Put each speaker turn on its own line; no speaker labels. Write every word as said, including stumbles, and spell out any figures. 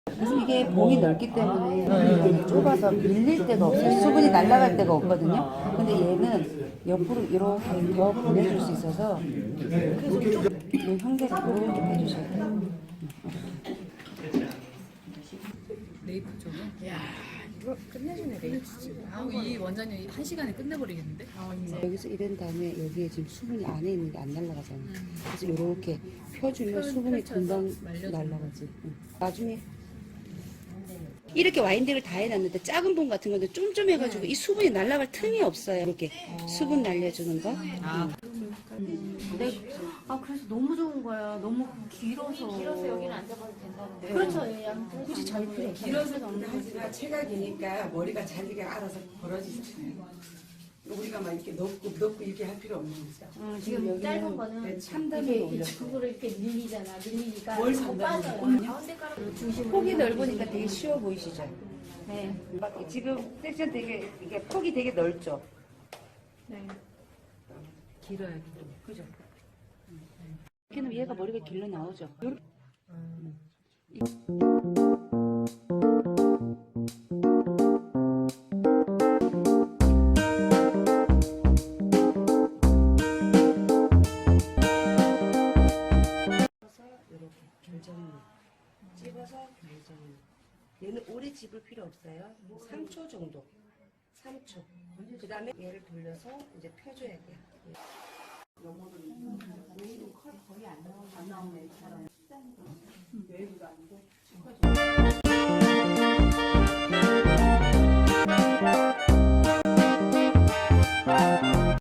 그래서 이게 봉이 넓기 때문에 이게 좁아서 밀릴 데가 없어요. 수분이 날아갈 데가 없거든요. 근데 얘는 옆으로 이렇게 더 보내줄 수 있어서 이 형태를 이렇게 빼주셔야 돼요.
레이프 쪽은? 야 이거 끝내주네 레이프. 아우 이 원장님 한 시간에 끝내버리겠는데? 아,
여기서 이런 다음에 여기에 지금 수분이 안에 있는 게 안 날아가잖아요. 그래서 이렇게 펴주면 수분이 금방 날아가지. 응. 나중에 이렇게 와인딩을 다 해놨는데 작은 봉 같은 건데 쫌쫌해가지고 이 수분이 날아갈 틈이 없어요. 이렇게 수분 날려주는 거.
아.
네. 아 그래서 너무 좋은 거야. 너무 길어서. 길어서 여기는 앉아봐도 된다는데. 그렇죠. 예, 양 굳이 잘 필요 없어요.
길어서 하지만 체각이니까 머리가 자기가 알아서 벌어지잖아요. 우리가 막 이렇게 넣고 넣고 이렇게 할 필요 없는 거죠.
음, 지금 짧은 거는
삼단으로
이게
올렸어.
그거를 이렇게 밀리잖아. 밀리니까
뭘
더
삼단으로
빠져요. 가운데 가락으로 중심으로.
폭이 넓으니까 되게 쉬워 보이시죠?
네.
막 지금 섹션 되게 이게 폭이 되게 넓죠?
네.
길어요, 길어. 그죠? 이렇게는 얘가 머리가 길러 나오죠. 요렇게. 이렇게 결정을 찍어서 결정을. 얘는 오래 집을 필요 없어요. 삼 초 정도. 삼 초. 그 다음에 얘를 돌려서 이제 펴줘야 돼요. 영어는 왜 거의 안 나오네. 안 나오네. 외부가 아니고.